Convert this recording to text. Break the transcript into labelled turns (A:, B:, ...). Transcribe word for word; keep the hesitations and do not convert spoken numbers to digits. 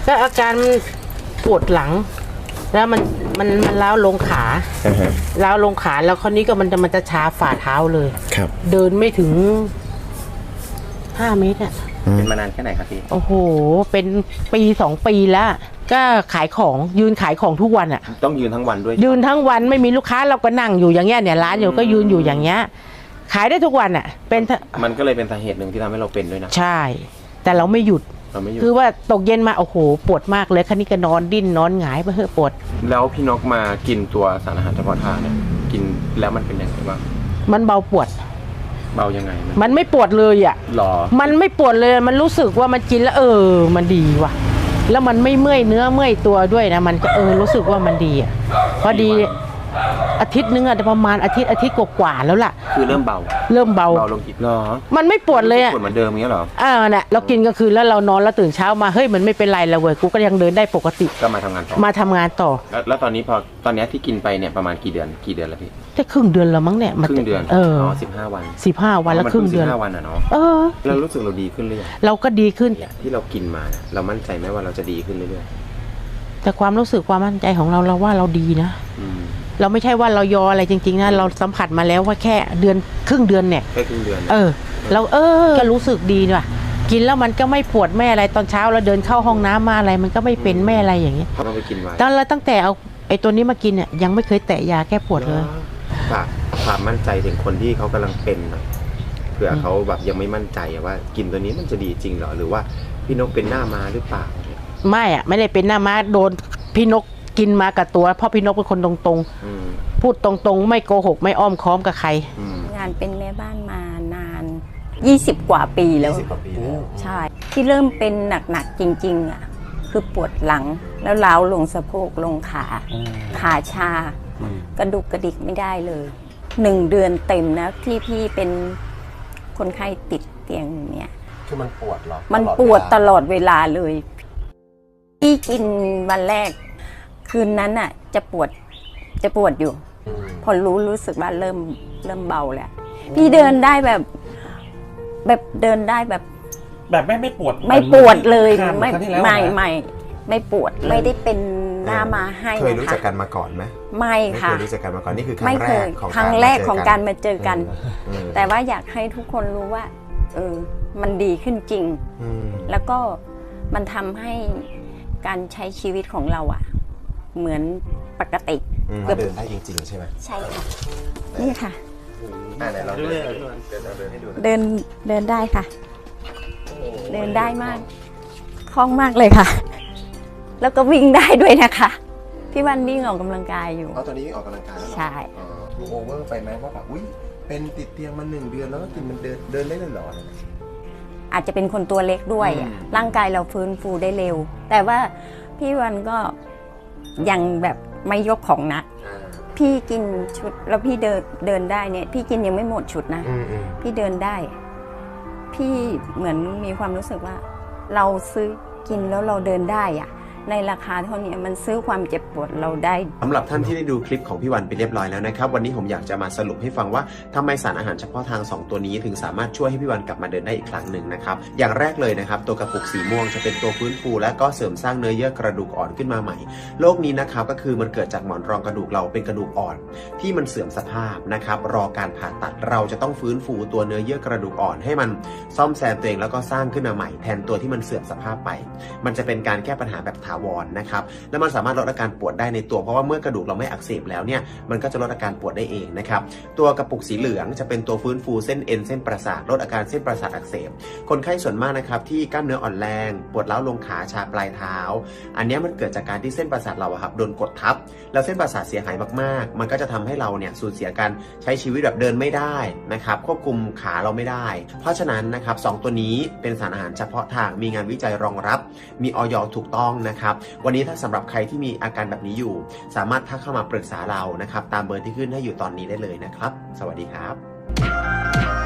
A: ก็อาการปวดหลังแล้วมันมันมันล้าวลงขาล้าวลงขาแล้วคราวนี้ก็มันจะมันจะชาฝ่าเท้าเลย
B: ครับ
A: เดินไม่ถึงห้าเมตรอ่ะ
C: เป็นมานานแค่ไหนครับพี่
A: โอ้โหเป็นปีสองปีแล้วก็ขายของยืนขายของทุกวันอ่ะ
C: ต้องยืนทั้งวันด้วย
A: ยืนทั้งวันไม่มีลูกค้าเราก็นั่งอยู่อย่างเงี้ยเนี่ยร้านอยู่ก็ยืนอยู่อย่างเงี้ยขายได้ทุกวันอ่ะเป็น
C: มันก็เลยเป็นสาเหตุหนึ่งที่ทำให้เราเป็นด้วยนะ
A: ใช่แต่เราไม่หยุดคือว่าตกเย็นมาโอ้โหปวดมากเลยคันนี้ก็นอนดิ้นนอนหงายไปเฮ้ปวด
C: แล้วพี่นกมากินตัวสารอาหารเฉพาะทางเนี่ยกินแล้วมันเป็นยังไงบ้าง
A: มันเบาปวด
C: เบายังไง
A: มันไม่ปวดเลยอ่ะ
C: หรอ
A: มันไม่ปวดเลยมันรู้สึกว่ามันกินแล้วเออมันดีว่ะแล้วมันไม่เมื่อยเนื้อเมื่อยตัวด้วยนะมันก็เออรู้สึกว่ามันดีอ่ะพอดีอาทิตย์นึงอะประมาณอาทิตย์อาทิตย์กว่าๆแล้วล่ะ
C: คือเริ่มเบา
A: เริ่มเบา
C: เบาลงอีกเหรอ
A: มันไม่ปวดเลยอะ
C: ปวดเหมือนเดิมอย่างเงี้ยเหรอ
A: อ่าน่ะเรากินกลางคืนแล้วเรานอนแล้วตื่นเช้ามาเฮ้ยมันไม่เป็นไรแล้วเว้ยกูก็ยังเดินได้ปกติ
C: ก็มาทำงานต่อ
A: มาทำงานต่อ
C: แล้วตอนนี้พอตอนนี้ที่กินไปเนี่ยประมาณกี่เดือนกี่เดือนแล้วพี่
A: แค่ครึ่งเดือนแล้วมั้งเนี่ย
C: ครึ่งเดือน
A: เออ
C: อ๋อสิบห้าวัน
A: สิบห้าวันแล้วครึ่งเดือน
C: สิบห้าวันอะเนาะ
A: เออ
C: เรารู้สึกเราดีขึ้นหรือยัง
A: เราก็ดีขึ้น
C: ที่เรากินมาเรามั่นใจไหมว่าเราจะดีขึ้นเรื่อย
A: ๆแต่ความรู้สึกความมั่นใจของเราเราว่าเราดีนะเราไม่ใช่ว่าเรายออะไรจริงๆนะเราสัมผัสมาแล้วว่าแค่เดือนครึ่งเดือนเนี่ย
C: แค่ครึ่งเดือน
A: เออเราเออก็รู้สึกดีว่ะกินแล้วมันก็ไม่ปวดไม่อะไรตอนเช้าเราเดินเข้าห้องน้ำมาอะไรมันก็ไม่เป็นไม่อะไรอย่างเงี้ย
C: เราไปกินไว้
A: ตอนเราตั้งแต่เอาไอ้ตัวนี้มากินเนี่ยยังไม่เคยแตะยาแก้ปวดเลย
C: ฝากความมั่นใจถึงคนที่เขากำลังเป็นหน่อยเผื่อเขาแบบยังไม่มั่นใจว่ากินตัวนี้มันจะดีจริงเหรอหรือว่าพี่นกเป็นหน้ามาหรือเปล่า
A: ไม่อ่ะไม่ได้เป็นหน้ามาโดนพี่นกกินมากับตัวเพราะพี่นกเป็นคนตรงๆพูดตรงๆไม่โกหกไม่อ้อมค้อมกับใครง
D: านเป็นแม่บ้านมานานยี่สิบกว่าปีแล้วใช่ที่เริ่มเป็นหนักๆจริงๆอ่ะคือปวดหลังแล้วล้าวลงสะโพกลงขาขาชากระดุกกระดิกไม่ได้เลยหนึ่งเดือนเต็มนะที่พี่เป็นคนไข้ติดเตียงเนี่ย
B: คือมันปวดหรอ
D: มันปวดตลอดเวลาเลยพี่กินวันแรกคืนนั้นอ่ะจะปวดจะปวดอยู่พอรู้รู้สึกว่าเริ่มเริ่มเบาแล้วพี่เดินได้แบบแบบเดินได้แบบ
B: แบบไม่ไม่ปวด
D: ไม่ปวดเลยไม่ไม่ไม่ไม่ปวดไม่ได้เป็นหน้ามาให้
B: เคยรู้จักกันมาก่อนไหม
D: ไม่ค่ะ
B: ไม่เคยรู้จักกันมาก่อนนี่คือครั้งแรกของ
D: ครั้งแรกของการมาเจอกันแต่ว่าอยากให้ทุกคนรู้ว่าเออมันดีขึ้นจริงแล้วก็มันทำให้การใช้ชีวิตของเราอ่ะเหมือนปกติ
B: เดินได้จริงๆใช่ไหม
D: ใช่ค่ะนี่ค่ะ
B: ไหนเราเดิน
D: เดินเดินได้ค่ะเดินได้มากคล่องมากเลยค่ะแล้วก็วิ่งได้ด้วยนะคะพี่วันวิ่งออกกำลังกายอยู่
B: อ๋อตอนนี้วิ่งออกกำลังกายแล้ว
D: ใช่
B: โอเวอร์ไปไหมว่าแบบอุ้ยเป็นติดเตียงมาหนึ่งเดือนแล้วก็กินมันเดินเดินได้เลยเหรอ
D: อาจจะเป็นคนตัวเล็กด้วยร่างกายเราฟื้นฟูได้เร็วแต่ว่าพี่วันก็ยังแบบไม่ยกของหนักพี่กินชุดแล้วพี่เดินเดินได้เนี่ยพี่กินยังไม่หมดชุดนะพี่เดินได้พี่เหมือนมีความรู้สึกว่าเราซื้อกินแล้วเราเดินได้อะในราคาเท่านี้มันซื้อความเจ็บปวดเราได้
B: สำหรับท่านที่ได้ดูคลิปของพี่วันไปเรียบร้อยแล้วนะครับวันนี้ผมอยากจะมาสรุปให้ฟังว่าทำไมสารอาหารเฉพาะทางสองตัวนี้ถึงสามารถช่วยให้พี่วันกลับมาเดินได้อีกครั้งหนึ่งนะครับอย่างแรกเลยนะครับตัวกระปุกสีม่วงจะเป็นตัวฟื้นฟูและก็เสริมสร้างเนื้อเยื่อกระดูกอ่อนขึ้นมาใหม่โรคนี้นะครับก็คือมันเกิดจากหมอนรองกระดูกเราเป็นกระดูกอ่อนที่มันเสื่อมสภาพนะครับรอการผ่าตัดเราจะต้องฟื้นฟูตัวเนื้อเยื่อกระดูกอ่อนให้มันซ่อมแซมตัวเองแล้วก็สร้างขึ้นมาใหม่แทนตัวที่มันเสื่อมสภาพไปมันจะเป็นการแก้ปัญหาแบบถาวรนะครับและมันสามารถลดอาการปวดได้ในตัวเพราะว่าเมื่อกระดูกเราไม่อักเสบแล้วเนี่ยมันก็จะลดอาการปวดได้เองนะครับตัวกระปุกสีเหลืองจะเป็นตัวฟื้นฟูเส้นเอ็นเส้นประสาทลดอาการเส้นประสาทอักเสบคนไข้ส่วนมากนะครับที่กล้ามเนื้ออ่อนแรงปวดร้าวลงขาชาปลายเท้าอันนี้มันเกิดจากการที่เส้นประสาทเราอะครับโดนกดทับแล้วเส้นประสาทเสียหายมากๆมันก็จะทำให้เราเนี่ยสูญเสียการใช้ชีวิตแบบเดินไม่ได้นะครับควบคุมขาเราไม่ได้เพราะฉะนั้นนะครับสองตัวนี้เป็นสารอาหารเฉพาะทางมีงานวิจัยรองรับมีอย.ถูกต้องนะครับวันนี้ถ้าสำหรับใครที่มีอาการแบบนี้อยู่สามารถทักเข้ามาปรึกษาเรานะครับตามเบอร์ที่ขึ้นให้อยู่ตอนนี้ได้เลยนะครับสวัสดีครับ